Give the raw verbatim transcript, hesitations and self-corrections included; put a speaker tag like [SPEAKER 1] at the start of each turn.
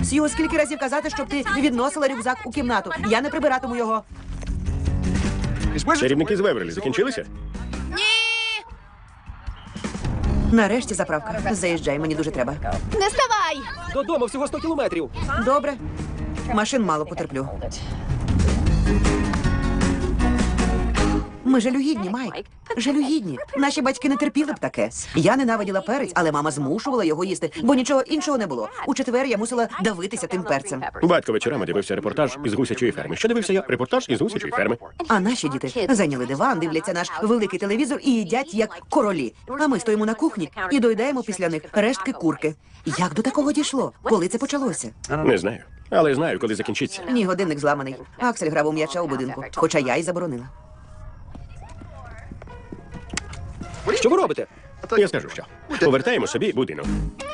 [SPEAKER 1] Сью, скільки разів казати, щоб ти відносила рюкзак у кімнату. Я не прибиратиму його.
[SPEAKER 2] Чарівники з Веверлі закінчилися?
[SPEAKER 1] Нарешті заправка. Заїжджай, мені дуже треба.
[SPEAKER 3] Не ставай!
[SPEAKER 4] Додому всього сто кілометрів.
[SPEAKER 1] Добре. Машин мало потерплю. Ми жалюгідні, Майк. Жалюгідні. Наші батьки не терпіли б таке. Я ненавиділа перець, але мама змушувала його їсти, бо нічого іншого не було. У четвер я мусила давитися тим перцем.
[SPEAKER 2] Батько вечорами дивився репортаж із гусячої ферми. Що дивився я? Репортаж із гусячої ферми.
[SPEAKER 1] А наші діти зайняли диван, дивляться наш великий телевізор і їдять як королі. А ми стоїмо на кухні і доїдаємо після них рештки курки. Як до такого дійшло? Коли це почалося?
[SPEAKER 2] Не знаю. Але знаю, коли закінчиться.
[SPEAKER 1] Ні, годинник зламаний. Аксель грав у м'яча у будинку, хоча я й заборонила.
[SPEAKER 4] Що ви робите?
[SPEAKER 2] Я скажу що. Повертаємо собі будинок.